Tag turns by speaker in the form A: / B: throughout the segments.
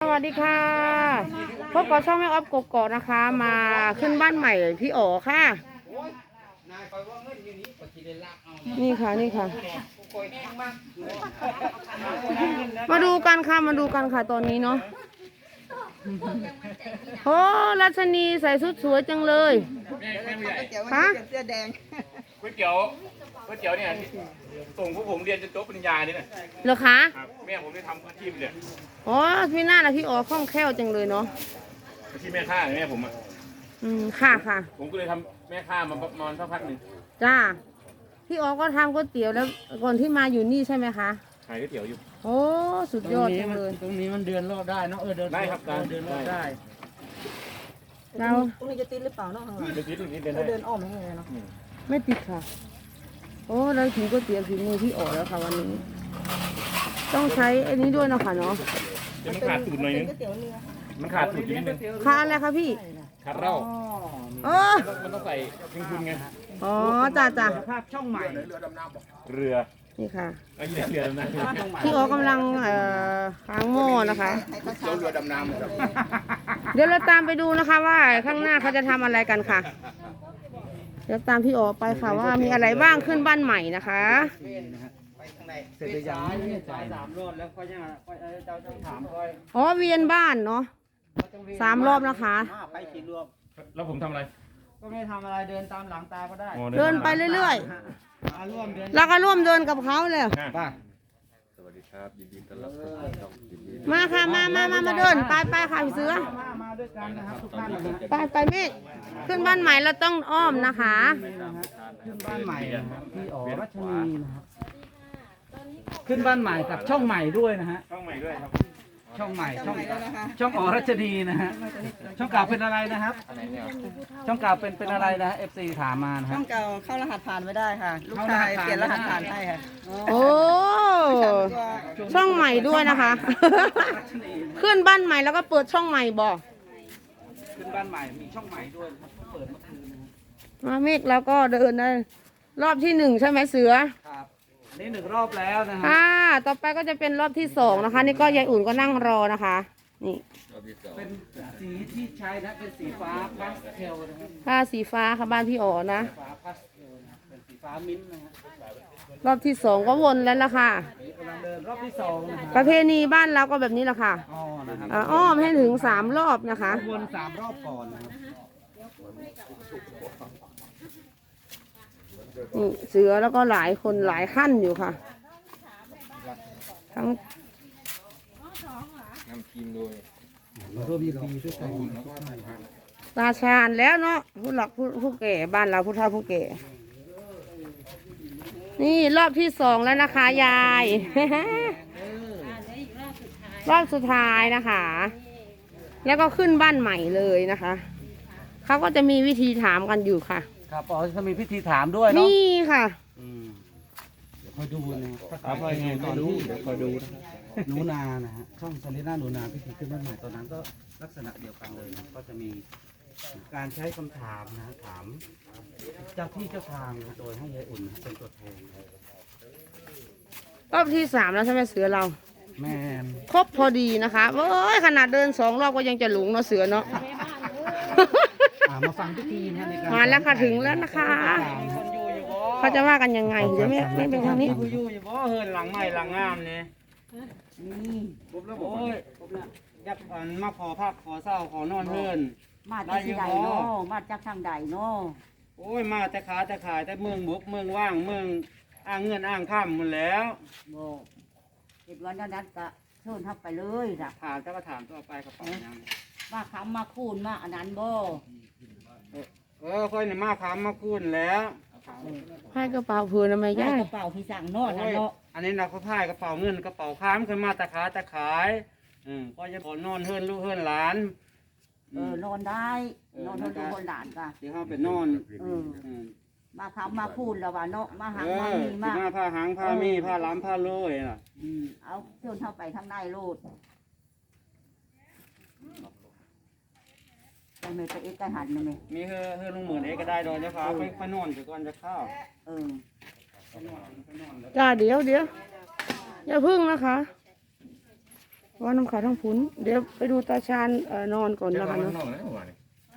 A: วัสดีค่ะพบกับช่องแม่ออฟกกอกนะคะมาขึ้นบ้านใหม่พี่อ๋อค่ะนี่ค่ะนี่ค่ะมาดูกันค่ะตอนนี้เนาะโอ้รัชนีใส่ชุดสวยจังเลยฮะ
B: ก๋วยเตี๋ยวเนี่ยส่งพวกผมเรียนจนจบปริญญาเนี่ย
A: เหรอคะ
B: แม่ผมได้ทำอาชีพเนี่ย
A: อ๋อพี่หน้านะพี่อ๋อคล่องแคล่วจังเลยเนาะ
B: อาชีพแม่ค้าแม่ผมอ่ะ
A: ค่ะ
B: ผมก็เลยทำแม่ค้ามาประมาณสักพักหนึ่ง
A: จ้าพี่อ๋อก็ทำก๋วยเตี๋ยวแล้วก่อนที่มาอยู่นี่ใช่ไหมคะ
B: ขายก๋วยเตี๋ยวอยู่
A: โอ้สุดยอดจังเลย
C: ตรงนี้มันเดินรอดได้เนาะเดิน
B: ได้ครับ
C: เดินรอดได้
A: เรา
D: ตรงนี้จะติดหรือเปล่าเนาะข้างหลัง
B: เดินได้
D: เดินอ้อมไม่ไงเนาะ
A: ไม่ติดค่ะโอ้เราถึงก๋วยเตี๋ยวถึงมือพี่อ๋อแล้วค่ะวันนี้ต้องใช้อันนี้ด้วยนะคะเนาะ
B: มันขาดสูตรหน่อยนึงมันขาดสูตรนิดนึง
A: ขาดอะไรคะพี่
B: ขาดเหล้ามันต้องใส่ทิ้งทุนไง
A: อ๋อจ้า
C: ภาพช่องใหม่
B: เรือ
A: นี่ค่ะ
B: เรือดำน้
A: ำพี่อ๋อกำลังค้างหม้อนะคะ
B: เรือดำน้
A: เดี๋ยวเราตามไปดูนะคะว่าข้างหน้าเขาจะทำอะไรกันค่ะเดี๋ยวตามพี่อ๋อไปค่ะว่ามีอะไรบ้างขึ้นบ้านใหม่นะคะ
C: เสร็จยัง3 รอบแล้วก็ยังเจ้าต้องถามค่อย
A: อ๋อเวียนบ้านเนาะ3 รอบนะคะ
C: ไปกี่รอบ
B: แล้วผมทำอะไร
C: ก็ไม่ทำอะไรเดินตามหลังตาก็ได้
A: เดินไปเรื่อยๆแล้วก็ร่วมเดินกับเขาเลย
C: ป่ะ
B: สวัสดีครับยินดีต้อนรับ
A: มาค่ะมาเดินไปค่ะพี่เสือ
C: มาด้วยกันนะครับทุกท่าน
A: ไปเมฆขึ้นบ้านใหม่เราต้องอ้อมนะคะ
C: ขึ้นบ้านใหม่พี่อ๋อรัชนีนะครับขึ้นบ้านใหม่กับช่องใหม่ด้วยนะฮะ
B: ช่องใหม่ด้วยครับ
C: ช่องใหม่ช่องอ๋อรัชนีนะฮะช่องเก่าเป็นอะไรนะครับช่องเก่าเป็นอะไรนะ FC ถามมานะ
D: ช่องเก่าเข้ารหัสผ่านไม่ได้ค่ะลูกชายเปลี่ยนรหัสผ่านให้ค่ะ
A: โอ้ช่องใหม่ด้วยนะคะขึ้นบ้านใหม่แล้วก็เปิดช่องใหม่บอก
C: ขึ้นบ้านใหม่มีช่องใหม่ด้วยเปิดเมื่อคืน
A: มาเมฆแล้วก็เดินได้รอบที่1ใช่ไหมเสือ
C: ครับนี่1 รอบแล้วนะฮะ
A: ต่อไปก็จะเป็นรอบที่2นะคะนี่ก็ยายอุ่นก็นั่งรอนะคะนี่
C: เป็นสีที่ใช้นะเป็นสีฟ้าพาสเทลนะครับ
A: ผ้าสีฟ้าค่ะบ้านพี่อ๋อนะ
C: ฟ้าพาสเทลนะเป็นสีฟ้ามิ้นท์นะฮะ
A: รอบที่2ก็วนแล้วล่ะค่ะ
C: กำลังเดินรอบที่2นะ
A: ประเพณีบ้านเราก็แบบนี้แหละค่ะอ้อมให้ถึง3 รอบนะคะ
C: วน3 รอบก่อนนะครับ
A: นี่เสือแล้วก็หลายคนหลายขั้นอยู่ค่ะทั้ง
B: นำทีมโดย
C: ร่วมยินดีด้วยกัน
A: ตาชาญแล้วเนาะผู้หลักผู้แก่บ้านเราผู้เฒ่าผู้แก่นี่รอบที่2แล้วนะคะยายรอบสุดท้ายนะคะแล้วก็ขึ้นบ้านใหม่เลยนะคะเขาก็จะมีวิธีถามกันอยู่ค่ะ
C: ครับอ๋อจะมีพิธีถามด้วยเนาะ
A: นี่ค่ะ
C: เดี๋ยวคอยดูนะถ้าคอยไงตอนที่เดี๋ยวคอยดูหนูนานะฮะช่องซาลิน่าหนูนาพิธีขึ้นบ้านใหม่ตอนนั้นก็ลักษณะเดียวกันเลยนะก็จะมีการใช้คำถามนะถามเจ้าที่เจ้าทางนะโดยให้ยายอุ่นเป็นตัวแทน
A: รอบที่3แล้วใช่ไหมเสือเรา
C: แม่
A: ครบพอดีนะคะเว้ยขนาดเดิน2 รอบก็ยังจะหลงเนาะเสือเนาะ
C: มาฟังพิธีนะในการ
A: มาแล้วค่ะถึงแล้วนะคะเขาจะว่ากันยังไงเดี๋ยวไม่เป็นทางนี้
C: อยู่บ่เฮินหลังใหม่หลังงามเนี่ยโอ้ยยักษ์มาขอพักขอเศร้าขอนอนเฮิน
D: มาจากที่ใดเนาะมาจากทางใดเนาะ
C: โอ้ยมาแต่ขาแต่ขายแต่เมืองบุกเมืองว่างเมืองอ้างเงินอ้างข้ามหมดแล้ว
D: เห็นวันนั้นก็เชิญทับไปเลยนะ
C: ถามเจ้าก็ถามตัวไปกระเป๋ายัง
D: มาคำมาคูนมาอันนั้นบ่
C: ค่อยเนี่ยมาคำมาคูนแล้ว
A: ให้กระเป๋าเพื่อนทำไมย่าก
D: ระเป๋าพี่สั่งนอนเนาะ
C: อันนี้เราก็พายกระเป๋าเงินกระเป๋าค้ามขึ้นมาแต่ขาแต่ขายก็จะขอนอนเฮิรนลูกเฮิรนหลาน
D: นอนได้นอนเฮิรนลูกเฮิรนหลานกัน
C: ที่เขาเป็นนอน
D: มาคำมาคูนแล้วว่าเนาะมาหางมามีมา
C: ผ้าหางผ้ามีผ้าล้ำผ้าโรยน่ะ
D: เอาเชิญเข้าไปทางในโลดไปเมย์ไปเอ็กซ์หันเลย
C: มีเฮือลุงหมื่นเอ็กก็ได้โดยเฉพาะไปนอนจะก่อนจะเข้า
A: จ้าเดี๋ยวอย่าพึ่งนะคะว่าน้ำขาวทั้งพุ้นเดี๋ยวไปดูตาชาญนอนก่อน
B: เจ้า
A: นะคะ
B: มัน
A: เนาะ
B: นอกแล้วว่านี่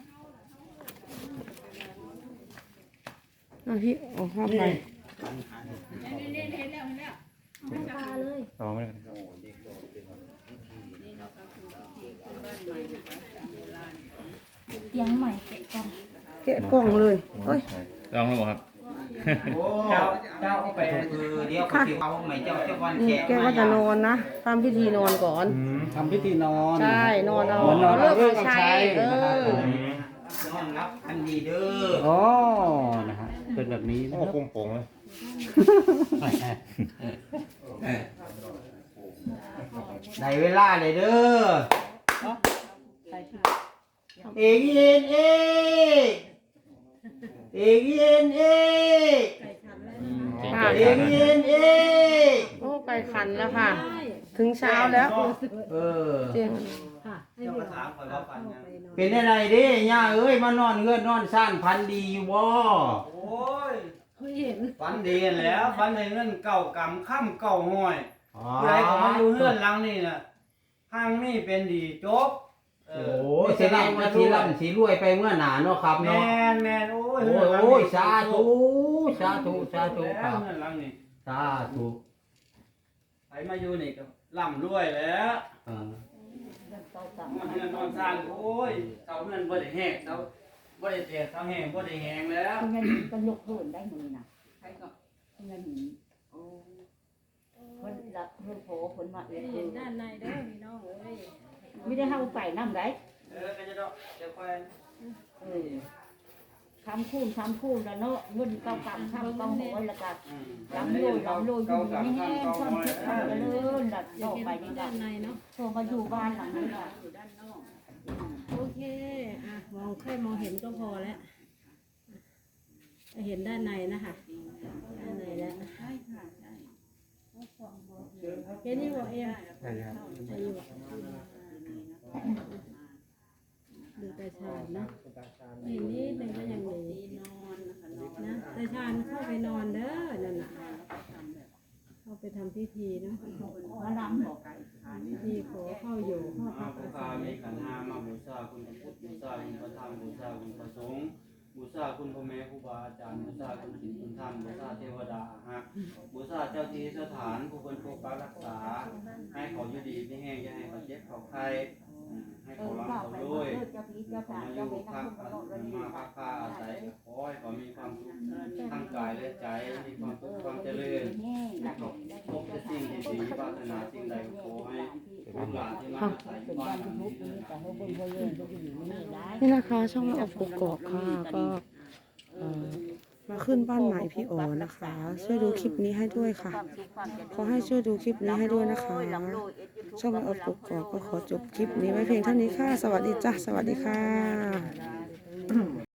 A: พี่ออกห้องไป
B: ต่อไม่ได้
D: เตียงใหม่เกะกล่อง
A: แกะกล่องเลยเอ้ย
B: ลองแล้วบ่ครับ
C: โอ้เจ้าเอาไปคือเดี๋ยวเขาสิเอาใหม่เจ้าวัน
A: นี่
C: แขก
A: แกก็จะนอนนะทำพิธีนอนก่อน
C: ทำพิธีนอน
A: ใช่นอนเอา
C: เหมือนนอน
A: เลิก
C: เลิก
A: ใช้
C: ใช้
A: เอ
C: นะครับ
A: อ
C: นอนรับอันดีเด้ออ๋อนะฮะเป็นแบบนี้นะ
B: โอ้
C: ครับ
B: โป่งโป่งเลย
C: ได้เวลาเลยเด้อเอกเย็นเอกเอกเย็นเอก
A: ค่ะ
C: เอกเย็นเอก
A: โอ้ไก่ขันแล้วค่ะ ถึงเช้าแล้ว
C: เออ
A: เจียง
C: เป็นอะไรเด้ย่าเอ้ยมานอนเงื่อนนอนซ่านพันดีอยู่บ่โอ้ยฝันดีแล้วฝันในเงื่อนเก่ากำค่ำเก่าห้อยผู้ใดก็มาอยู่เงื่อนหลังนี่น่ะห้างนี่เป็นดีจบโอ้แสดงว่าสีร่ำสีรวยไปเมื่อหนาเนาะครับเนาะแม่นโอ้ยโอ้ยสาธุสาธุสาธุครับเงื่อนหลังนี่สาธุใครมาอยู่นี่ก็ร่ำรวยแล้วมันเงินนอนสร้างโอ้ยเสาเงินบ่ได้แห้งเสาบ่ได้แตกเสาแห้งบ่ได้แห้งแล้ว
D: เงินก็ยกเพิ่นได้มือนะใครก็เงินโอ้คนรับคนโผคนมาเห็นด้านในเด้อพี่น้องเอ้ยไม่ได้เข้าไปน้ำไร
C: ก็จะดอกเดี๋ยวค่อย
D: คำคูณแล้วเนาะเงินเก่ากำคำเก่าหัวแล้วก็ลำโลอยู่นี่แห้งความคิดความเจริญหลัดออกไปในด้านในเนาะโทรมาอยู่บ้านหลังนี้ค่ะอยู่ด้านนอก
E: โอเค อ่ะ มองแค่มองเห็นก็พอแล้วเห็นด้านในนะคะด้านในแล้วเห็นนี่บอกเองใช่บอกดูตาชาญนะเห็นนี่เป็นก็ยังดีนะตาชาญเข้าไปนอนเด้อนั่นน่ะเข้าไปทำพิธีเนาะ
D: มาลำบอก
E: พิธีขอเข้าอยู่เข้าพักอาศัย
C: มีขันธ์ห้ามาบูชาคุณพระพุทธบูชาคุณพระธรรมบูชาคุณพระสงฆ์บูชาคุณพ่อแม่ครูบาอาจารย์บูชาคุณศีลคุณธรรมบูชาเทวดาฮะบูชาเจ้าที่สถานผู้คนปกปักรักษาให้เขาอยู่ดีไม่แห้งอย่าให้เขาเจ็บเขาไข้ให้เขาร่ำเขารวย
D: เจ้าพี่เจ้าทาง
C: มาอ
D: เจ้า
C: ยู่
D: เวร
C: พัก
D: น้ำคุณตลอดเลย
C: มาพักผ้าอาศัยขอให้เขามีความสุขทั้งกายและใจมีความสุขความเจริญให้เขาพบแต่สิ่งที่ดีปรารถนาสิ่งใดขอให้ลูกหลานที่มาอาศัยอยู่บ้านหลังนี้
A: นี่นะคะช่องออกกกอกค่ะก็มาขึ้นบ้านใหม่พี่อ๋อนะคะ ช่วยดูคลิปนี้ให้ด้วยค่ะ ขอให้ช่วยดูคลิปนี้ให้ด้วยนะคะ ช่องออกกกอกก็ขอจบคลิปนี้ไว้เพียงเท่านี้ค่ะ สวัสดีจ้ะสวัสดีค่ะ